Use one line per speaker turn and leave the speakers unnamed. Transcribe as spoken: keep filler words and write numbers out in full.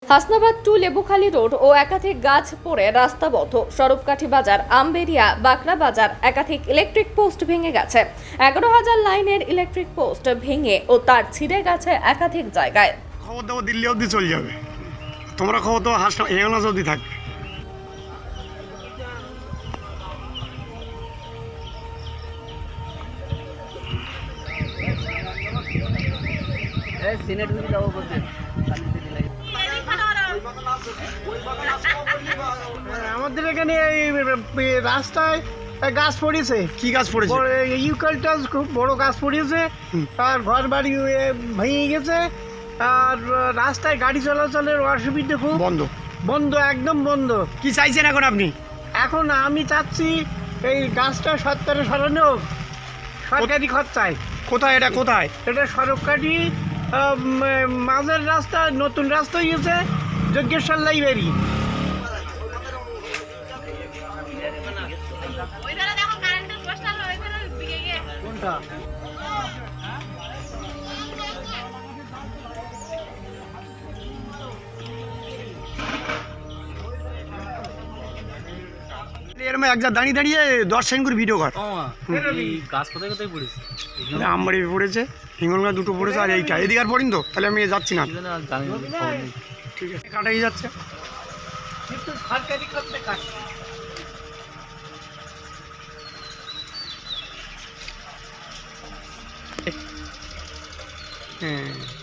Hasnabad to Lebukhali road ও একাধিক গাছ পড়ে রাস্তা বন্ধ। সরবকাঠি বাজার, আমবেরিয়া, বাকরা বাজার একাধিক ইলেকট্রিক পোস্ট ভেঙে গেছে। এগারো হাজার লাইনের ইলেকট্রিক পোস্ট ভেঙে ও তার ছিঁড়ে গেছে একাধিক জায়গায়।
খবর দেবো দিল্লি অবধি চলে যাবে, তোমরা খবর তো হাসনা এগারো অবধি থাকবে।
আমাদের এখানে এই রাস্তায় গাছ পড়েছে।
কি গাছ পড়েছে?
ইউক্যালিপটাস খুব বড় গাছ পড়েছে, আর ঘর বাড়ি ভেঙে গেছে, আর রাস্তায় গাড়ি চলাচলের অসুবিধে খুব।
বন্ধ
বন্ধ একদম বন্ধ।
কি চাইছেন এখন আপনি?
এখন আমি চাচ্ছি এই গাছটা সত্তরে সরানো হোক, সরকারি খরচায়।
কোথায় এটা? কোথায়
এটা সরকারি মাঝের রাস্তা, নতুন রাস্তা হয়েছে যজ্ঞেশ্বর লাইব্রেরি। কোনটা?
এরম এক যা দাঁড়িয়ে দাঁড়িয়ে দশ সেকেন্ড করে ভিডিও কর।
গাছ কোথায় কোথায় পড়েছে?
আমবাড়ি পড়েছে, হিঙ্গলগা দুটো পড়েছে, আর এইটা এদিকে আর পড়িনি তো, তাহলে আমি যাচ্ছি না। ঠিক আছে, কাটাই যাচ্ছে
কিন্তু সরকারি খরচে কাজ।
হ্যাঁ